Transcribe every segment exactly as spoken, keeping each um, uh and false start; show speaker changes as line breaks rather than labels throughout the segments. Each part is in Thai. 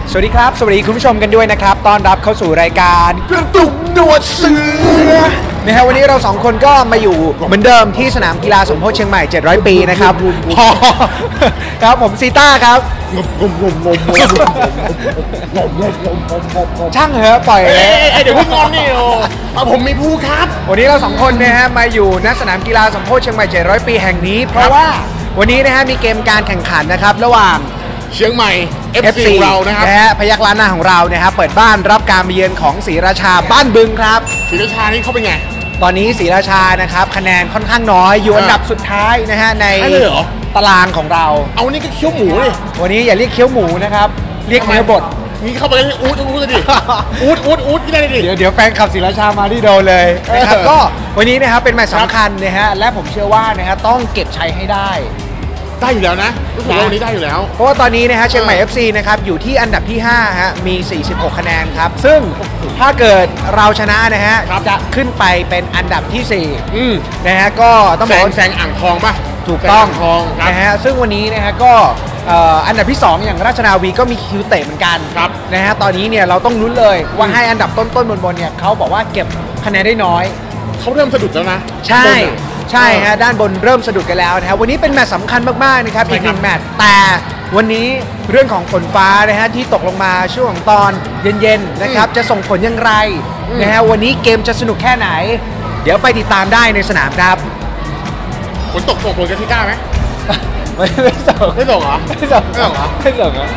สวัสดีครับสวัสดีคุณผู้ชมกันด้วยนะครับต้อนรับเข้าสู่รายการกระตุกหนวดเสือนะฮะวันนี้เราสองคนก็มาอยู่เหมือนเดิมที่สนามกีฬาสมโพธิเชียงใหม่เจ็ดร้อยปีนะครับพอครับผมซีต้าครับช่างเหอะปล่อย
เดี๋ยวพูดงอนนี่โอ้ผมมีผู้ครับ
วันนี้เราสองคนนะฮะมาอยู่ณสนามกีฬาสมโพธิเชียงใหม่เจ็ดร้อยปีแห่งนี้เพราะว่าวันนี้นะฮะมีเกมการแข่งขันนะครับระหว่าง
เชียงใหม่ เอฟ ซี ของเรานะครับ
นะฮะพยัคฆ์ล้านนาของเรานะครับเปิดบ้านรับการมาเยือนของศรีราชาบ้านบึงครับ
ศรีราชานี่เขาเป็นไง
ตอนนี้ศรีราชานะครับคะแนนค่อนข้างน้อยอยู่อันดับสุดท้ายนะฮะในตารางของเรา
เอานี่ก็เคี้ยวหมูเลย
วันนี้อย่าเรียกเคี้ยวหมูนะครับเรียกเนื้อบด
นี่เข้าไปเลยอูดอูดเลยดิอูดอูดอูดที่ได้ดิ
เดี๋ยวเดี๋ยวแฟนขับศรีราชามาที่โดนเลยนะครับก็วันนี้นะครับเป็นแมตช์สำคัญนะฮะและผมเชื่อว่านะฮะต้องเก็บชัยให้ได้
ได้อยู่แล้วนะรู้สึกว่าวันนี้ได้อยู่แล้ว
เพราะว่าตอนนี้นะฮะเชียงใหม่ เอฟ ซี นะครับอยู่ที่อันดับที่ห้าฮะมีสี่สิบหกคะแนนครับซึ่งถ้าเกิดเราชนะนะฮะจะขึ้นไปเป็นอันดับที่สี่นะฮะก็ต้องบอก
แซงอ่างทองป่ะ
ถูกต้องนะฮะซึ่งวันนี้นะฮะก็อันดับที่สองอย่างราชนาวีก็มีคิวเตะเหมือนกันนะฮะตอนนี้เนี่ยเราต้องลุ้นเลยว่าให้อันดับต้นๆบนๆเนี่ยเขาบอกว่าเก็บคะแนนได้น้อย
เขาเริ่มสะดุดแล้วนะ
ใช่ใช่ฮะด้านบนเริ่มสะดุดกันแล้วนะครับวันนี้เป็นแมตช์สำคัญมากๆนะครับอีกหนึ่งแมตช์แต่วันนี้เรื่องของฝนฟ้านะฮะที่ตกลงมาช่วงตอนเย็นๆนะครับจะส่งผลอย่างไรนะฮะวันนี้เกมจะสนุกแค่ไหนเดี๋ยวไปติดตามได้ในสนามครับ
ฝนตกส่งผลกับทิก้าไหม
ไม่ไม่ส่ง
ไม่ส่งเหรอ
ไม่ส่งไม่ส่งเหรอไม่ส่งเหรอ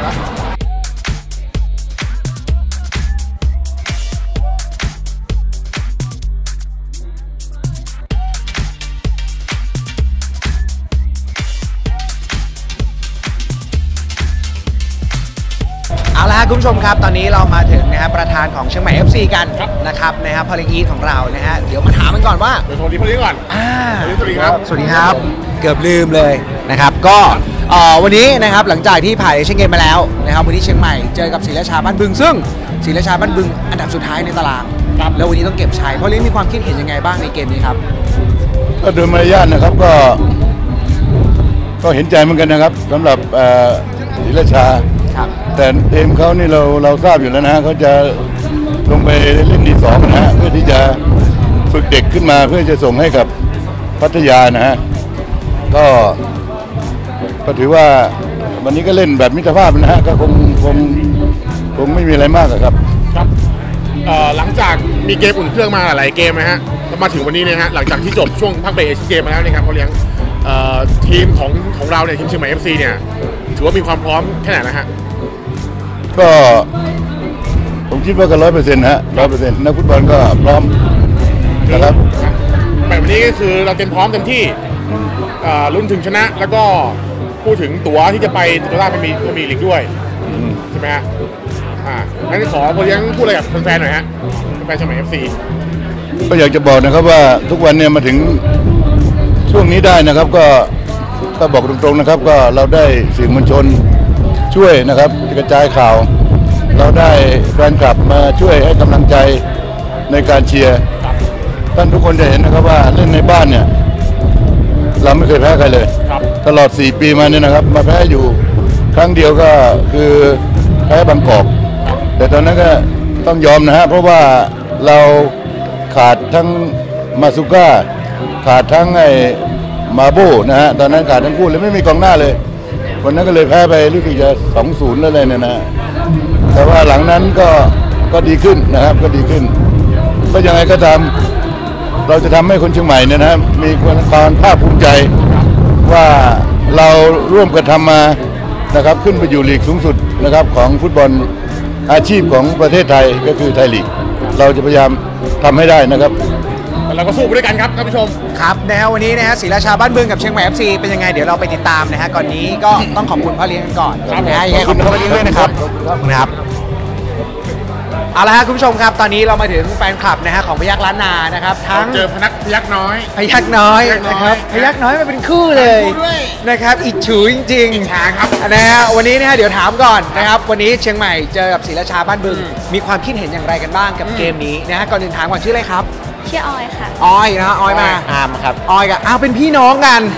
เอาละครับคุณผู้ชมครับตอนนี้เรามาถึงนะครับประธานของเชียงใหม่ เอฟ ซี กันนะครับนะครับพอลิงีทของเรานะฮะเดี๋ยวมาถามกันก่อนว่า
เดี๋ยวโทรดีพอลิก่อน
อ่า
สวัสดีครับ
สวัสดีครับเกือบลืมเลยนะครับก็วันนี้นะครับหลังจากที่ผ่านเอเชียนเกมมาแล้วนะครับวันนี้เชียงใหม่เจอกับศรีราชาบ้านบึงซึ่งศรีราชาบ้านบึงอันดับสุดท้ายในตารางแล้ววันนี้ต้องเก็บชัยพอลิมีความคิดเห็นยังไงบ้างในเกมนี้ครับ
ก็โดยมารยาทนะครับก็ก็เห็นใจเหมือนกันนะครับสำหรับศรีราชาแต่เกมเขานี่เราเราทราบอยู่แล้วนะเขาจะลงไปเล่นที่สองนะฮะเพื่อที่จะฝึกเด็กขึ้นมาเพื่อจะส่งให้กับพัทยานะฮะก็ก็ถือว่าวันนี้ก็เล่นแบบมิตรภาพนะฮะก็คงคงคงไม่มีอะไรมากครับ
ครับหลังจากมีเกมอุ่นเครื่องมาหลายเกมนะฮะมาถึงวันนี้เนี่ยฮะหลังจากที่จบช่วงพักเบรกเอเชียนเกมมาแล้วนะครับเขาเลี้ยงทีมของของเราเนี่ยทีมเชียงใหม่ เอฟ ซี เนี่ยถือว่ามีความพร้อมแค่ไหนนะฮะ
ก็ผมคิดว่าก็ร้อยเปอร์เซ็นต์ฮะร้อยเปอร์เซ็นต์นักฟุตบอลก็พร้อมนะครับ
แบบนี้ก็คือเราเต็มพร้อมเต็มที่ลุ้นถึงชนะแล้วก็พูดถึงตั๋วที่จะไปโตต้าพรีเมียร์ลีกด้วยใช่ไหมฮะอ่างั้นขอพอยังพูดอะไรกับแฟนๆหน่อยฮะแฟนเชียงใหม่ เอฟ ซี
ก็อยากจะบอกนะครับว่าทุกวันเนี่ยมาถึงช่วงนี้ได้นะครับก็ก็บอกตรงๆนะครับก็เราได้สื่อมวลชนช่วยนะครับกระจายข่าวเราได้แฟนคลับมาช่วยให้กำลังใจในการเชียร์ท่านทุกคนจะเห็นนะครับว่าเล่นในบ้านเนี่ยเราไม่เคยแพ้ใครเลยตลอดสี่ปีมาเนี่ยนะครับมาแพ้อยู่ครั้งเดียวก็คือแพ้บางกอกแต่ตอนนั้นก็ต้องยอมนะฮะเพราะว่าเราขาดทั้งมาซุก้าขาดทั้งไอ้มาโบนะฮะตอนนั้นขาดทั้งคู่เลยไม่มีกองหน้าเลยวันนั้นก็เลยแพ้ไปรู้สึกจะสองศูนย์แล้วเลยเนี่ยนะแต่ว่าหลังนั้นก็ก็ดีขึ้นนะครับก็ดีขึ้นก็ยังไงก็ตามเราจะทำให้คนเชียงใหม่เนี่ยนะมีความภาคภูมิใจว่าเราร่วมกันทำมานะครับขึ้นไปอยู่ลีกสูงสุดนะครับของฟุตบอลอาชีพของประเทศไทยก็คือไทยลีกเราจะพยายามทำให้ได้นะครับ
เราก็สู้ไปด้วยกันครับท่านผู้ชม
ครับนะฮะวันนี้นะฮะศรีราชาบ้านบึงกับเชียงใหม่ เอฟ ซี เป็นยังไงเดี๋ยวเราไปติดตามนะฮะก่อนนี้ก็ต้องขอบคุณพ่อเลี้ยงกันก่อนนะฮะยังไงขอบคุณพ่อเลี้ยงด้วยนะครับนะครับเอาละฮะคุณผู้ชมครับตอนนี้เรามาถึงแฟนคลับนะฮะของพยัคฆ์ล้านนานะครับทั้ง
เจอพนักพยัคฆ์น้อย
พยัคฆ์น้อยนะครับพยัคฆ์น้อยมันเป็นคู่เลยนะครับอิจฉูจริง
ๆอิจฉาครับ
นะฮะวันนี้นะฮะเดี๋ยวถามก่อนนะครับวันนี้เชียงใหม่เจอกับศรีราชาบ้านบึงมีความคิดเห็นอย่างไรกันบ้างกับเกมนี้นะฮะก่อนอื่นถามก่อนชื่ออะไรครับ
ชื่อออยค่ะ
ออยนะออยมา
อามครับ
ออยกับอ้าวเป็นพี่น้องกัน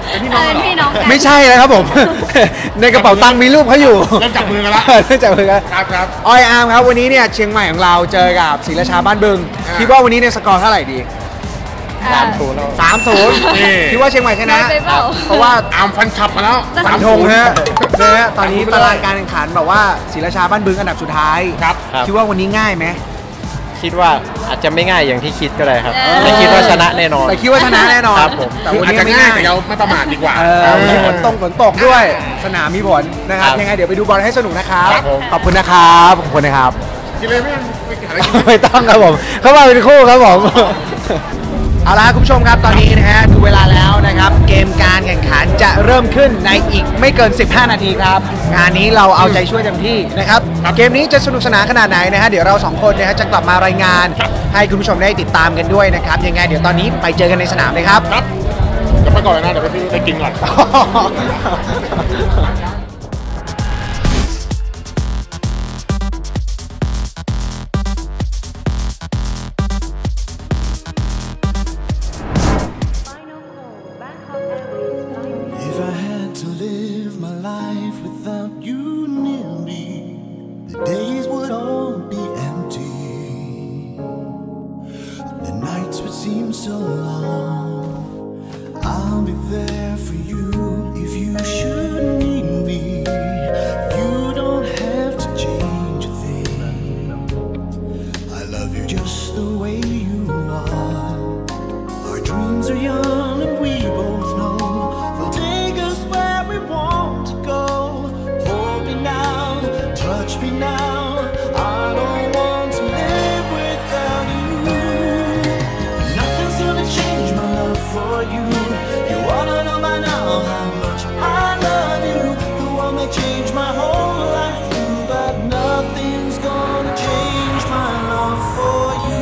เป็นพี่น้องกันเหรอ
เป็นพี่น้องกัน
ไม่ใช่แล้วครับผม ในกระเป๋าตังค์มีรูปเขาอยู่
เริ่มจับมือกันละ
เริ่มจับมือกัน
ครับครับ
ออยอาร์มครับวันนี้เนี่ยเชียงใหม่ของเราเจอกับศรีราชาบ้านบึง
อ่า
คิดว่าวันนี้เนี่ยสกอร์เท่าไหร่ดี
สาม
ศูนย์สามศูนย์
นี่
คิดว่าเชียงใหม่ชนะ
น้อยไปเปล่า
เพราะว่า
อาร์มฟันขับมาแล้ว
ฝันธงฮะนะฮะตอนนี้ตารางการแข่งขันแบบว่าศรีราชาบ้านบึงอันดับสุดท้าย
ครับ
ครับ
คิดว่าวันนี้ง่ายไหม
คิดว่าอาจจะไม่ง่ายอย่างที่คิดก็ได้ครับ
เออ
ไม่คิดว่าชนะแน่นอน
แต่คิดว่าชนะแน่นอน
ครับผม
แต่
คือ
วัน
อาจ
นี้
จะ
ไม่
ง่า
ง่าย ย
แต่เราไม่ประมาทดีกว่า
เออมีฝนตกฝนตกด้วยสนามมีผลนะครับ
ครับ
ยังไงเดี๋ยวไปดูบอลให้สนุกนะครับ
ครับผม
ขอบคุณนะครับขอบคุณนะครับ
กินเลยไม่ไม่หาอะไรกิน
ไม่ต้องครับผมเข้ามาเป็นคู่ครับผม เอาละคุณผู้ชมครับตอนนี้นะฮะดูเวลาแล้วนะครับ เกมการแข่งขันจะเริ่มขึ้นในอีกไม่เกิน สิบห้า นาทีครับ งานนี้เราเอาใจช่วยเต็มที่นะครับ เกมนี้จะสนุกสนานขนาดไหนนะฮะเดี๋ยวเราสองคนนะฮะจะกลับมารายงาน ให้คุณผู้ชมได้ติดตามกันด้วยนะครับ ยังไงเดี๋ยวตอนนี้ไปเจอกันในสนามเลยครับ
ครับเดี๋ยวไปก่อนเลยนะเดี๋ยวไปซื้อไปกินก่อน
If I had to live my life without you near me, the days would all be empty. The nights would seem so long. I'll be there for you if you should need me. You don't have to change a thing. I love you just the way you are. Our dreams are young and we both know they'll take us where we want to go. Hold me now, touch me now. I don't want to live without you. Nothing's gonna change my love for you. You ought to know by now how much I love you. The one that changed my whole life through, but nothing's gonna change my love for you.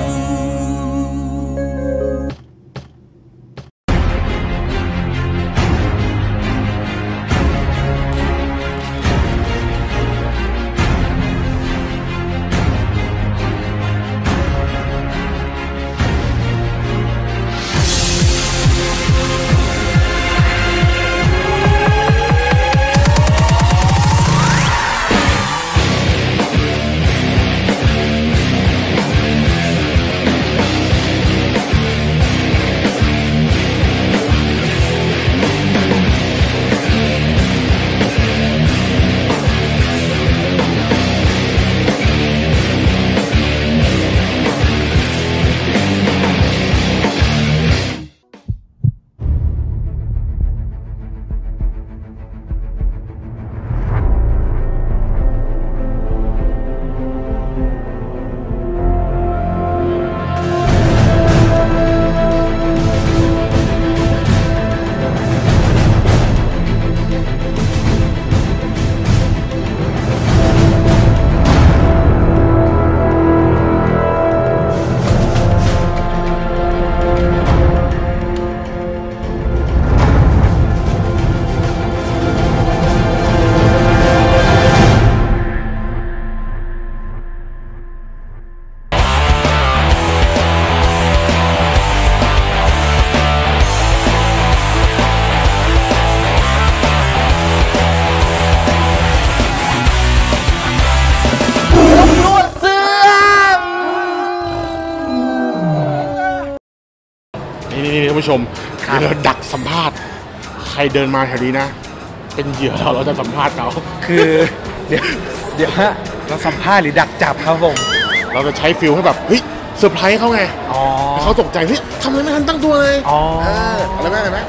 นี่นี่ท่านผู้ชมเดี๋ยวเราดักสัมภาษณ์ใครเดินมาแถวนี้นะ เป็นเหยื่อเราเราจะสัมภาษณ์เขา
คือเดี๋ยวเดี๋ยวฮะเราสัมภาษณ์หรือดักจับครับผม
เราจะใช้ฟิลให้แบบเฮ้ยเซอร์ไพรส์เขาไง
อ๋อ
ให้เขาตกใจเฮ้ยทำอะไรไม่ทันตั้งตัวเลย
อ๋อ
เอออะไรไหมอะไรไหม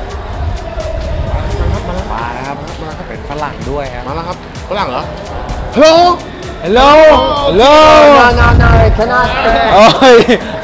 มาแล้วครับเป็นฝรั่งด้วยครับ
มาแล้วครับฝรั่งเหรอฮัลโหล
ฮัลโหลฮัลโหลนานๆชนะโอ้ย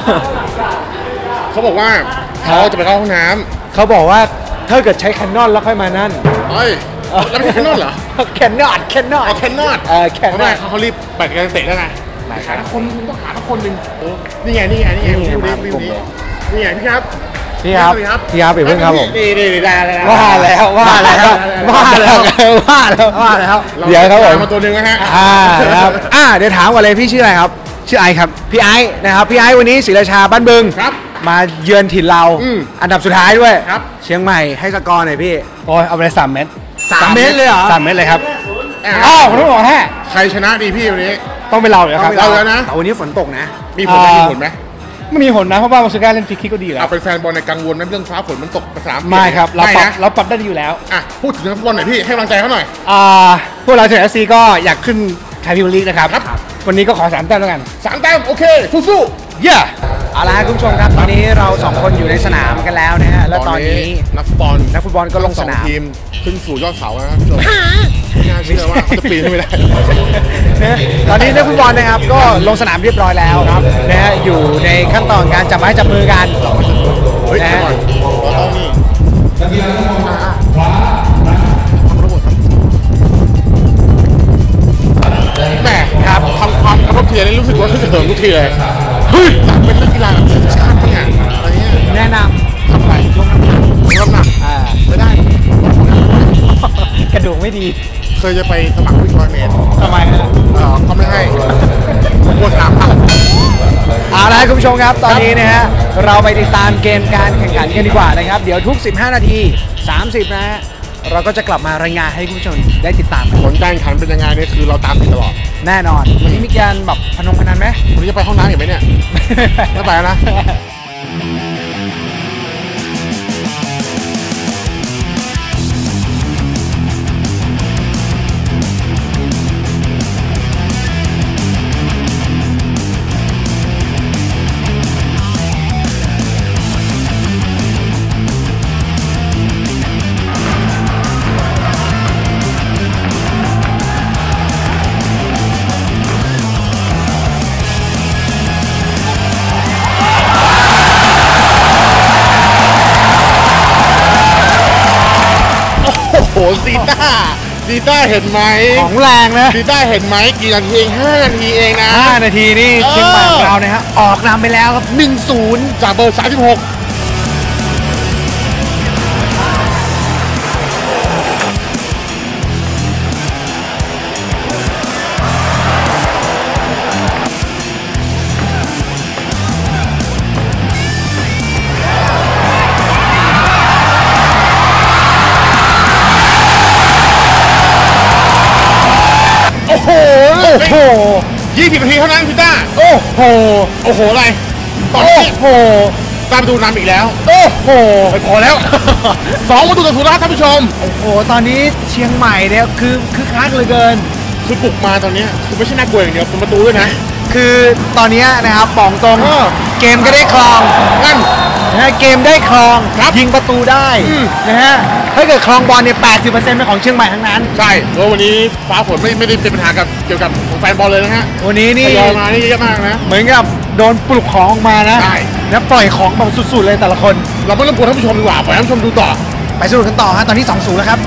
เขาบอกว่าเขาจะไปเข้าห้องน้
เขาบอกว่าถ้าเกิดใช้แคนนอนแล้วค่อยมานั่น
ำเฮ้ยแล้วไม่ใช่แคนนอนเหรอ
แคนนอนแคนนอน
เอาแคนนอน
เออแคนน
ทำไม
อน
เขาเขารีบไปกันเตะได้ไง
ไหนค
หา
รับ
คนต้องหาสักคนหนึ่งโอ้นี่ไงนี่ไงนี่ไง
นี่ไง
วิว
มา
นี้วิว
กลุ่ม
นี้
เลย
นี่ไงพี่ครับ
พี่ครับ
สวัสดี
พี่ครับอย่าเพิ่งครับผม
นี่นี่นี่ได้ได้ได้
ว่าแล้วว่าแล้วว่าแล้วว่าแล้วว่าแล้ว เดี๋ยวครับผม
มาตัวหนึ่งนะฮะ
อ่านะครับอ่าเดี๋ยวถามก่อนเลยพี่ชื่ออะไรครับ ชื่อไอซ์ครับพี่ไอซ์นะครับพี่ไอซ์วันนี้ศรีราชาบ้านบึง
ครับ
มาเยือนถิ่นเรา
อืม
อันดับสุดท้ายด้วย
ครับ
เชียงใหม่ให้สกอร์หน่อยพี่
โอ้ยเอาไปเลยสามเม็ด
สามเมตรเลยเหรอ
สามเม็ดเลยครับ
อ่ะ
อ้าวคุณต้องบอกแฮะ
ใครชนะดีพี่วันนี้
ต้องเป็นเราเลยครับ
เราแล้วนะ
แต่วันนี้ฝนตกนะ
มีผลไหม
อ่า
มีผลไหม
ไม่มีผลนะเพราะว่ามาซูก้าเล่นฟรีคิกก็ดีอยู่แล้
เอา
ว
เป็นแฟนบอลในกังวลนั้นเรื่องฟ้าฝนมันตกภาษา
ไม่ครับเรา
ไม่
ปรับ
นะ
เราปรับได้ดีอยู่แล้ว
อ่ะพูดถึงนักฟุตบอลหน่อยพี่ให้กำลังใจเขาหน่อย
อ่าพวกเราเจอเอฟซีก็อยากขึ้นไทยพิมยร์ลีกนะครับ
ครับ
วันนี้ก็ขอสามแต้มแล้วกัน
สามแต้มโอเคสู้
เย้
เอาละครับคุณผู้ชมครับตอนนี้เราสองคนอยู่ในสนามกันแล้วนะฮะ
ๆ
แล้วตอนนี้
นักฟุตบอล
นักฟุตบอลก็ลงสนาม
ทั้ทีมขึ้นสู่ยอดเสาแล้วนะครับผู้ชมไม่น่าเชื่อว่าเขาจะปีนขึ้นไม่ได้
นะตอนนี้นักฟุตบอลนะครับก็ลงสนามเรียบร้อยแล้วนะฮะอยู่ในขั้นตอนการจับไม้จับมือกัน
เฮ้ยเดี๋ยวก่อนเราต้องนี่อ่ะอ่ะทำระบบครับแหมครับทำความเคารพเทียนนี่รู้สึกว่าขึ้นเหิมทุกทีเลยเฮ้ยอยากเป็นนักกีฬาแบบทีมชาติปะเนี่ยอะไรเงี้ย
แนะน
ทำอะไรยกน้ำหนักยกน้ำหนัก
ำอ่า
ไม่ได้
กระดูกไม่ดี
เคยจะไปสมัครวิ่งร้อยเมตร
ทำไมฮะ
เออเขาไม่ให้กลัวสามพัน
เอาละครับคุณผู้ชมครับตอนนี้นะฮะเราไปติดตามเกมการแข่งขันกันดีกว่านะครับเดี๋ยวทุก สิบห้า นาที สามสิบ นะฮะเราก็จะกลับมารายงานให้คุณผู้ชมได้ติดตามกัน
ผลการแข่งขันเป็นยังไงเนี่ยคือเราตามติดตลอด
แน่นอนวันนี้มีการแบบพนมพนันไหม
วันนี้จะไปห้องน้ำอีกไหมเนี่ย ไม่ไปแล้วนะ โอ้โหซีต้าซีต้าเห็นไหม
ของแรงนะ
ซีต้าเห็นไหมกี่นาทีเองห้านาทีเองนะ
ห้านาทีนี่
เออ
เชียงใหม่ของเรานะฮะออกนำไปแล้วครับ หนึ่งศูนย์
จากเบอร์สามสิบหกโอ้โห
โอ้โห
ยี่สิบนาทีเท่านั้นซีต้า
โอ้โห
โอ้โหอะไร ตอน
โอ้
นี้
โห
ตามประตูนำอีกแล้ว
โอ้โห
ไม่พอแล้ว สองประตูต่อศูนย์แล้วท่านผู้ชม
โอ้โห ตอนนี้เชียงใหม่เนี่ยคือคือคักเหลือเกิน
คือปลุกมาตอนเนี้ยคือไม่ใช่น่ากลัวอย่างเดียวเป็นประตูด้วยนะ
คือตอนนี้นะครับบอกตรง
เออ
เกมก็ได้ครอง
งั้น
นะฮะเกมได้ครอง
ครับ
ยิงประตูได้
อืม
นะฮะถ้าเกิดครองบอลเนี่ย แปดสิบเปอร์เซ็นต์ เป็นของเชียงใหม่ทั้งนั้น
ใช่เพราะวันนี้ฟ้าฝนไม่ไม่ได้เป็นปัญหากับเกี่ยวกับแฟนบอลเลยนะฮะ
วันนี้
ท
นี่
ยอยมานี่เยอะมากนะ
เหมือนกับโดนปลุกของออกมานะ
ใช่
แล้วปล่อยของแบบสุดๆเลยแต่ละคน
เราไม่รบกวนท่านผู้ชมดีกว่าปล่อยท่านผู้ชมดูต่อ
ไปสนุกกันต่อฮะตอนนี้ สองศูนย์ แล้วครับ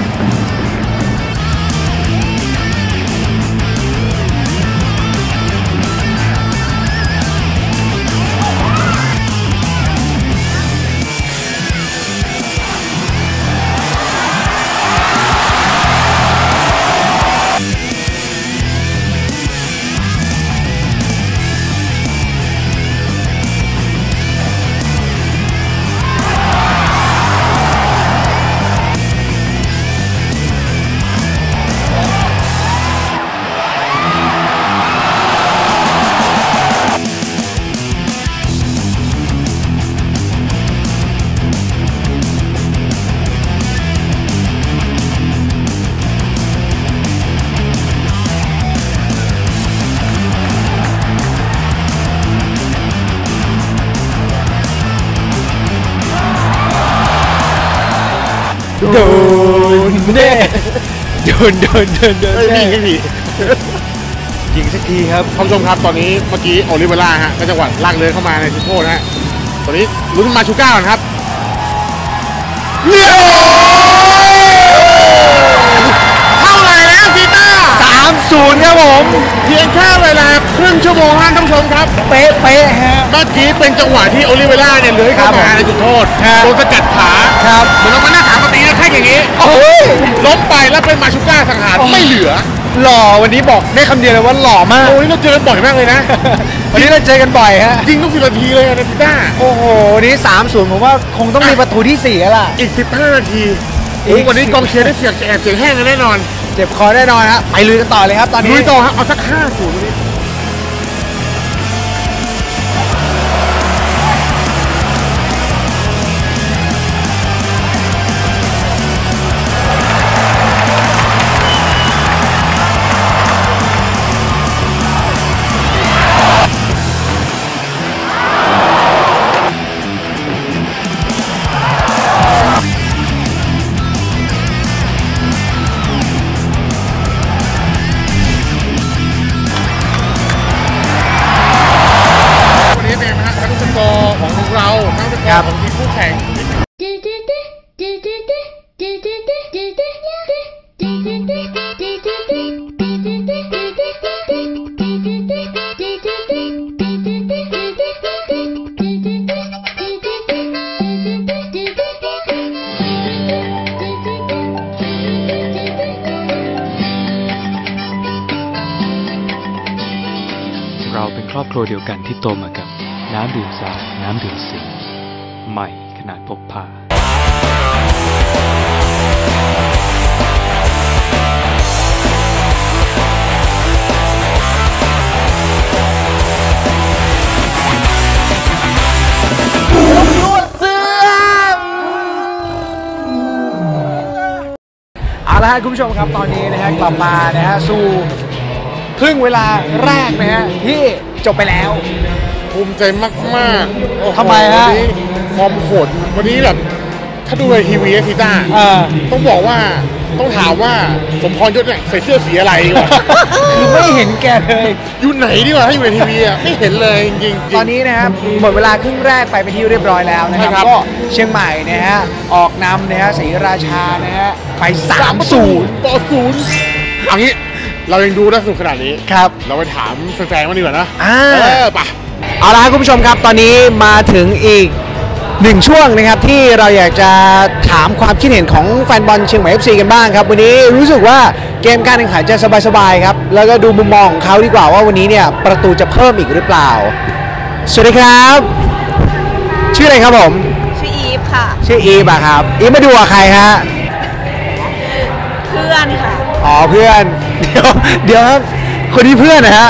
โดนเน่โดนโดนโดนโดน
เฮ้ยพี่พี่พี่
ยิงสักทีครับ
ท่านผู้ชมครับตอนนี้เมื่อกี้โอลิเวล่าฮะก็จังหวะลากเลยเข้ามาในจุดโทษนะฮะตอนนี้ลุ้นมาชูก้าก่อนครับเรียบร้อยเท่าไหร่แล้วซีต้า
สามศูนย์ ครับผม
เพียงแค่เวลาครึ่งชั่วโมงท่านผู้ชมครับ
เป๊ะเป๊ะฮะ
เมื่อกี้เป็นจังหวะที่โอลิเวล่าเนี่ยเลื้อยเข้ามาในจุดโทษ
ครับ
โดนสกัดขา
ครับ
เหมือนเรามาหน้าขามาตีนะแค่อย่างนี้
โอ้ย
ล้มไปแล้วเป็นมาชูก้าสังหารไม่เหลือ
หล่อวันนี้บอกได้คำเดียวเลยว่าหล่อมาก
โอ้ยเราเจอบ่อยมากเลยนะ
วันนี้เราเจอกันบ่อยฮะ
ยิงทุกสิบนาทีเลยนะพิต้า
โอ้โหนี่สามศูนย์ผมว่าคงต้องมีประตูที่สี่แล้วล่ะ
อีกสิบห้านาที
อี
โอ้
ก
วันนี้กองเชียร์ได้เสียงแอบเสียงแห้งกันแน่นอน
เจ็บคอแน่นอนฮะไปลุยกันต่อเลยครับตอนนี้
ลุยต่อครับเอาสักห้าศูนย์วันนี้ของเราทั้งสกอร์ของทีมคู่แข่ง
เราเป็นครอบครัวเดียวกันที่โตมากับน้ำดื่มสาน้ำดื่มสิงใหม่ขนาดพกพา
เอาละฮะคุณผู้ชมครับตอนนี้นะฮะกลับมานะฮะสู่ครึ่งเวลาแรกนะฮะที่จบไปแล้ว
ภูมิใจมากๆ
ทำไมฮะ
วันนี้ฟอร์มโหดวันนี้แบบถ้าดูในทีวีพิต้า
เออ
ต้องบอกว่าต้องถามว่าสมพรยศเนี่ยใส่เสื้อสีอะไรดีกว่า
คือไม่เห็นแกเลย
อยู่ไหนดีกว่าถ้าอยู่ในทีวีอ่ะไม่เห็นเลยจริงๆ
ตอนนี้นะครับหมดเวลาครึ่งแรกไปเป็นที่เรียบร้อยแล้วนะค
ใช่
รับ
ครับ
ก็เชียงใหม่นะฮะออกนำนะฮะศรีราชานะฮะไปสามศูนย์
ต่อศูนย์เอางี้เรายังดูได้สนุกขนาดนี้
ครับ
เราไปถามแฟนๆมาดีกว่านะ
อ่า
เออไป
เอาละครับคุณผู้ชมครับตอนนี้มาถึงอีกหนึ่งช่วงนะครับที่เราอยากจะถามความคิดเห็นของแฟนบอลเชียงใหม่ เอฟ ซี กันบ้างครับวันนี้รู้สึกว่าเกมการแข่งขันจะสบายๆครับแล้วก็ดูมุมมองของเขาดีกว่าว่าวันนี้เนี่ยประตูจะเพิ่มอีกหรือเปล่าสวัสดีครับชื่ออะไรครับผม
ชื่ออีฟค่ะ
ชื่ออีฟอะครับอีฟมาดูกับใครฮะ
เพื่อนค่ะ
อ๋อเพื่อนเดี๋ยวเดี๋ยวครับคนนี้เพื่อนนะฮะ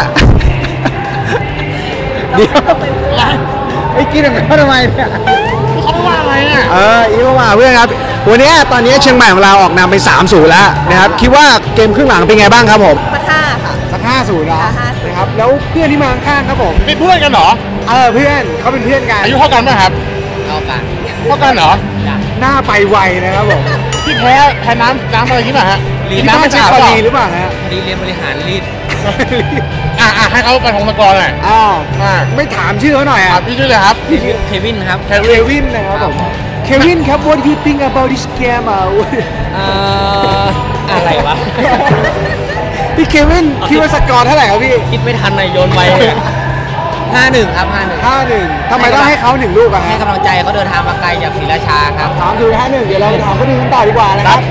เดี๋ยวไอ้กินแบบเขาทำไมเนี่ย
เขาว่าอะไรอ่ะ
เอออีกมาเพื่อนครับวันนี้ตอนนี้เชียงใหม่ของเราออกนำไป สามศูนย์ แล้วนะครับคิดว่าเกมครึ่งหลังเป็นไงบ้างครับผม
สักห้าค่ะ
สักห้าศูนย์นะ
ห้าศูนย์
นะครับแล้วเพื่อนที่มาข้างๆครับผม
เป็นเพื่อนกันเหรอ
เออเพื่อนเขาเป็นเพื่อนกัน
อายุเท่ากันไหมครับ
เท่ากัน
เท่ากันเหรอ
หน้าไปไวนะครับผม
ที่แพ้แพ้น้ำน้ำอะไรที่ไหนฮะ
ที่บ้านใช้คอรีหรือเปล่าฮะ
พอดีเรียนบริหารรีด
อ่ะอ่ะให้เขาไปของสกอร์หน่อย
อ้าว
อ่า
ไม่ถามชื่อเขาหน่อย
อ่ะ
อ่ะ
พี่ชื่ออะไรครับ
ชื่อเควินครับ
เควินนะครับผมเควินครับ what do you think about this game อ่ะ
เอ่อ อะไรวะ
พี่เควินคิดว่าสกอร์เท่าไหร่ครับพี่
คิดไม่ทันเลยโยนไปห้าหนึ่งครับห้าหนึ่ง
ห้าหนึ่งทำไมต้องให้เขาหนึ่งลูกอะ
ให้
ฮะ
กำลังใจเขาเดินทางมาไกลจากศรีราชาครับ
ถามคือห้าหนึ่งเดี๋ยวเราไปถามเขาดูกันต่อดีกว่านะครับ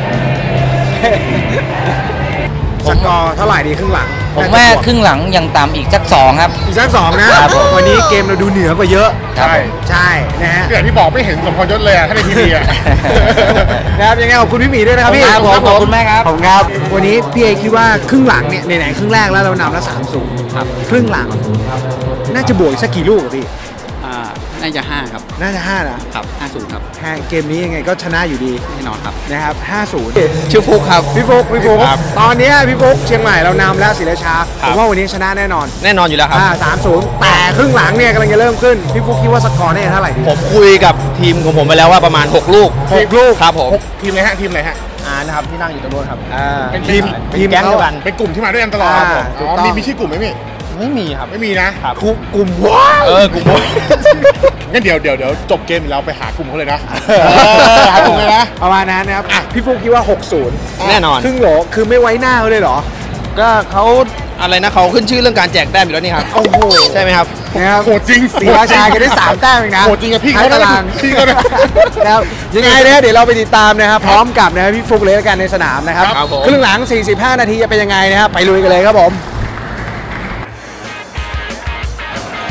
สกอร์เท่าไหร่ดีครึ่งหลัง
ผมว่าครึ่งหลังยังตามอีกสักสองครับ
อีกสักสองนะครับ
ผม
วันนี้เกมเราดูเหนือกว่าเยอะ
ใช่
ใช่นะฮะ
อย่างที่บอกไม่เห็นสมพรยศเลยอ่ะถ้าในทีวีอ่ะ
นะครับยังไงขอบคุณพี่หมีด้วยนะครับพี่
ครับผมขอบคุณมากครับ
ขอบคุณครับวันนี้พี่เอคิดว่าครึ่งหลังเนี่ยไหนๆครึ่งแรกแล้วเรานำแล้วสามศูนย์ครับครึ่งหลังน่าจะบวกอีกสักกี่ลูกอะพี่
อ่าน่าจะห้าครับ
น่าจะห้านะครับ
ห้าศูนย์ครับ
แค่เกมนี้ยังไงก็ชนะอยู่ดี
แน่นอนครับ
นะครับห้าศูนย์
ชื่อฟุกครับ
พี่ฟุกพี่ฟุก
ครับ
ตอนนี้พี่ฟุกเชียงใหม่เรานำแล้วศรีราชาผมว่าวันนี้ชนะแน่นอน
แน่นอนอยู่แล้วครับ
อ่าสามศูนย์แต่ครึ่งหลังเนี่ยกำลังจะเริ่มขึ้นพี่ฟุกคิดว่าสกอร์เนี่ยเท่าไหร่ดี
ผมคุยกับทีมของผมไปแล้วว่าประมาณหกลูก
หกลูก
ครับผม
ทีมอะไรฮะทีมอะไรฮะ
อ่านะครับที่นั่งอยู่ตรงนู้นครับ
อ่า
เป็น
ทีม
เป็น
ทีม
แก๊งเดียวกัน
เป็นกลุ่มที่มาด้วยกันตลอด
อ่า
ครับผม
ถูก
อ๋อ
ต้อง
มีมีชื่อกลุ่มไหมพี่
ไม่มีครับ
ไม่มีนะครับ
กลุ่มกลุ่มว้าว
เออกลุ่ม
งั้นเดี๋ยวเดี๋ยวเดี๋ยวจบเกมเราไปหากลุ่มเขาเลยนะเออหากลุ่มเลยนะ
ประมาณนั้นนะครับอ่ะพี่ฟุกคิดว่าหกศูนย์
แน่นอน
ครึ่งโหลคือไม่ไว้หน้าเขาเลยเหรอ
ก็เขาอะไรนะเขาขึ้นชื่อเรื่องการแจกแต้มอยู่แล้วนี่ครับ
โอ้โห
ใช่ไหมครับ
นะครับ
โหดจริง
ศรีราชาแกได้สามแต้มเองนะ
โหดจริงอะพี่เขา
ท้ยตาราง
พี่เขานะ
นะครับยังไงนะเดี๋ยวเราไปติดตามนะครับพร้อมกับนะพี่ฟุกเลยแล้วกันในสนามนะครับ
ครับผม
ครึ่งหลังสี่สิบห้านาทีจะเป็นยังไงนะครับไปลุยกันเลยครับผม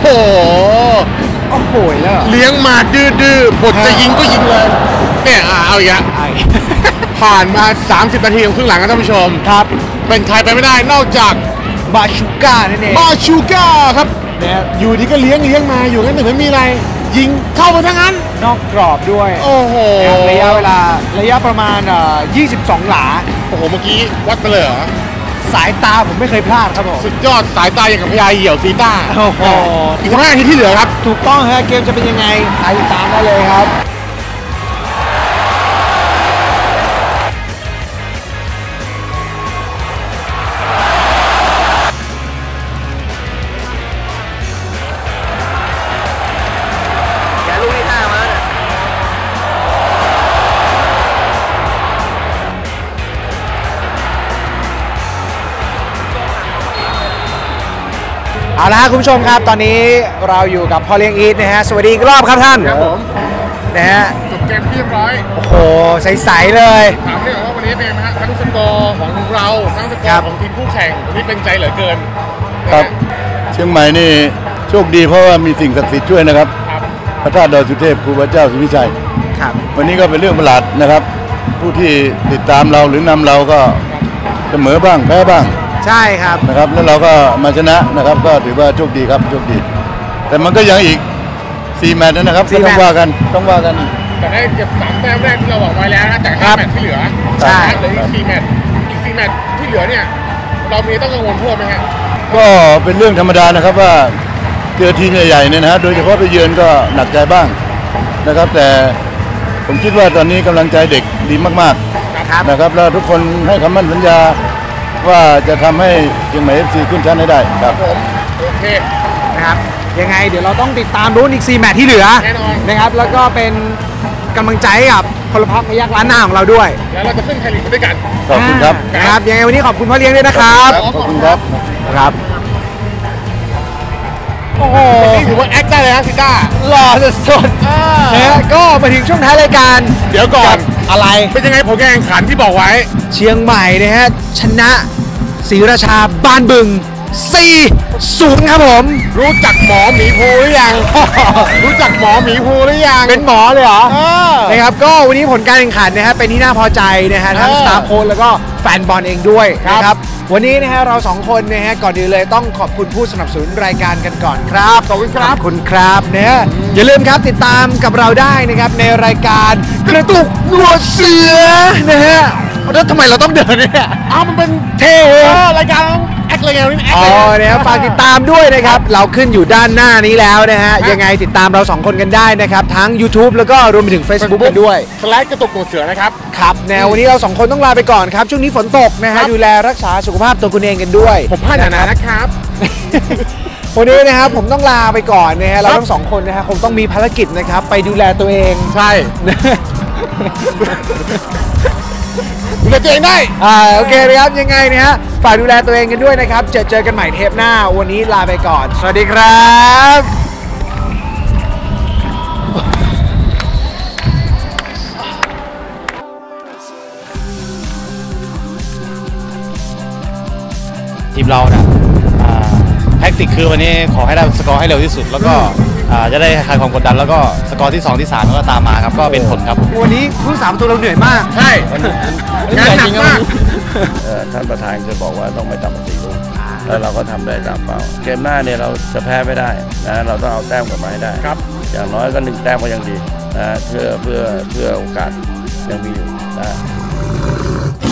ห
โอ้โหแล้ว
เลี้ยงมาดื้อๆบทจะยิงก็ยิงเลยเนี่ยอ่ะเอาอีกแล้วผ่านมาสามสิบนาทีของครึ่งหลังครับท่านผู้ชม
ครับ
เป็นใครไปไม่ได้นอกจาก
บาชูก้านั่นเอง
บาชูก้าครับ
เนี่ย
อยู่ดีก็เลี้ยงเลี้ยงมาอยู่งั้นหนึ่งไม่มีอะไร ยิงเข้าไปทั้งนั้น
นอกกรอบด้วย
โอ้โห
ระยะเวลาระยะประมาณเอ่อยี่สิบสองหลา
โอ้โหเมื่อกี้วัดไปเลยเหรอ
สายตาผมไม่เคยพลาดครับผม
สุดยอดสายตาอย่างกับพญาเหี่ยวซีต้า
โอ้โห
อีกห้านาทีที่เหลือครับ
ถูกต้องฮะเกมจะเป็นยังไงติดตามได้เลยครับ เอาละครับคุณผู้ชมครับตอนนี้เราอยู่กับพ่อเลี้ยงอีทนะฮะสวัสดีอีกรอบครับท่าน
ครับผม
นะฮะ
จบเกมที่เรียบร้อย
โอ้โหใสๆเลย
ถามได้เหรอว่าวันนี้เป็นไงไหมฮะทั้งสกอร์ของเราทั้งสกอ
ครับ
ร์ของทีมคู่แข่งวันนี้เป็นใจเหลือเกิน
ครับ
นะฮะ
เชียงใหม่นี่โชคดีเพราะว่ามีสิ่งศักดิ์สิทธิ์ช่วยนะครับ
ครับ
พระธาตุดอยสุเทพครูพระเจ้าศรีวิชัย
ครับ
วันนี้ก็เป็นเรื่องประหลาดนะครับ ผู้ที่ติดตามเราหรือนำเราก็เสมอบ้างแพ้บ้าง
ใช่ครับ
นะครับ แล้วเราก็มาชนะนะครับ ก็ถือว่าโชคดีครับโชคดี แต่มันก็ยังอีกสี่แมตช์นะครับ
สี่
ก็
แม
ต้
ต
อ
ช์
งว่ากันต้องว่ากัน
แต่ได้เก็บสามแต้มแรกที่เราบอกไว้แล้วนะจาก
ครั
ห้า
บ
แมตช์ที่เหลือ
ใช่
เหลืออีกสี่แมตช์อีกสี่แมตช์ที่เหลือเนี่ยเรามีต้องกังวลเพิ่มไหมฮะ
ก็เป็นเรื่องธรรมดานะครับว่าเจอทีมใหญ่ๆเนี่ยนะฮะโดยเฉพาะไปเยือนก็หนักใจบ้างนะครับ แต่ผมคิดว่าตอนนี้กำลังใจเด็กดีมากๆนะครับแล้วทุกคนให้คำมั่นสัญญาว่าจะทำให้เชียงใหม่ เอฟ ซี ขึ้นชั้นให้ได้ครับ
ผมโอเค
นะครับยังไงเดี๋ยวเราต้องติดตามลุ้นอีกสี่แมตช์ที่เหลือ
แน่นอน
นะครับแล้วก็เป็นกำลังใจให้กับพลพรรคพยักล้านหน้าของเราด้วย
แล้วเราจะขึ้นไทยลีกด้วยกัน
ขอบคุณครับ
นะครับยังไงวันนี้ขอบคุณพ่อเลี้ยงด้วยนะครับ
ขอบคุณครับ
ครับโอ้โห
นี่ถือว่าแอคได้เลยนะซิต้า
หล่อสุดๆนะฮะก็มาถึงช่วงท้ายรายการ
เดี๋ยวก่อน
อะไร
เป็นยังไงผลการแข่งขันที่บอกไว้
เชียงใหม่นะฮะชนะศรีราชาบ้านบึง สี่ศูนย์ ครับผม
รู้จักหมอหมีภูหรือยัง รู้จักหมอหมีภูหรือยัง
เป็นหมอเลยเหรอ
เออ
นะครับก็วันนี้ผลการแข่งขันนะฮะเป็นที่น่าพอใจนะฮะทั้ง
เออ
สตาฟโค้ชแล้วก็แฟนบอลเองด้วย
ครับ
นะครับวันนี้นะฮะเราสองคนนะฮะก่อนอื่นเลยต้องขอบคุณผู้สนับสนุนรายการกันก่อนครับ
ขอบคุณครับ
ขอบคุณครับนะฮะอย่าลืมครับติดตามกับเราได้นะครับในรายการกระตุกหนวดเสือนะฮะแล้วทำไมเราต้องเดินเนี่ย
อ้าวมันเป็น
เท่
เออรายการแอคอะไรเงี้ยนี่แอค
อ๋
อะ
อ
ไรเงี้ย
นะครับฝากติดตามด้วยนะครับ เราขึ้นอยู่ด้านหน้านี้แล้วนะฮะ ยังไงติดตามเราสองคนกันได้นะครับ ทั้ง YouTube แล้วก็รวมไปถึง Facebook กันด้วย
สแลชกระตุกหนวดเสือนะครับ
ครับแนววันนี้เราสองคนต้องลาไปก่อนครับ ช่วงนี้ฝนตกนะ
ครั
ฮะ
บ
ดูแลรักษาสุขภาพตัวคุณเองกันด้วย
ผมพลาดหนาๆนะครับ
วันนี้นะครับผมต้องลาไปก่อนนะฮะเรา
ครับ
ทั้งสองคนนะฮะคงต้องมีภารกิจนะครับ ไปดูแลตัวเอง
ใช่ดูแลตัวเองได้
อ่าโอเคนะครับยังไงนะฮะฝากดูแลตัวเองกันด้วยนะครับ เจอเจอกันใหม่เทปหน้า วันนี้ลาไปก่อน สวัสดีครับ
ทีมเราเนี่ยอ่าแท็กติกคือวันนี้ขอให้ได้สกอร์ให้เร็วที่สุด แล้วก็อ่าจะได้คลายความกดดันแล้วก็สกอร์ที่สองที่สามก็ตามมาครับก็เป็นผลครับ
วันนี้ผู้สามตัวเราเหนื่อยมาก
ใช่งานหนักมาก
เอ่อท่านประธานจะบอกว่าต้องไม่ต่ำกว่าสี่ลูกแล้วเราก็ทำได้ตามเป้าเกมหน้าเนี่ยเราจะแพ้ไม่ได้นะเราต้องเอาแต้มกลับมาให้ได้
ครับ
อย่างน้อยก็หนึ่งแต้มก็ยังดีนะเพื่อเพื่อเพื่อโอกาสยังมีอยู่นะ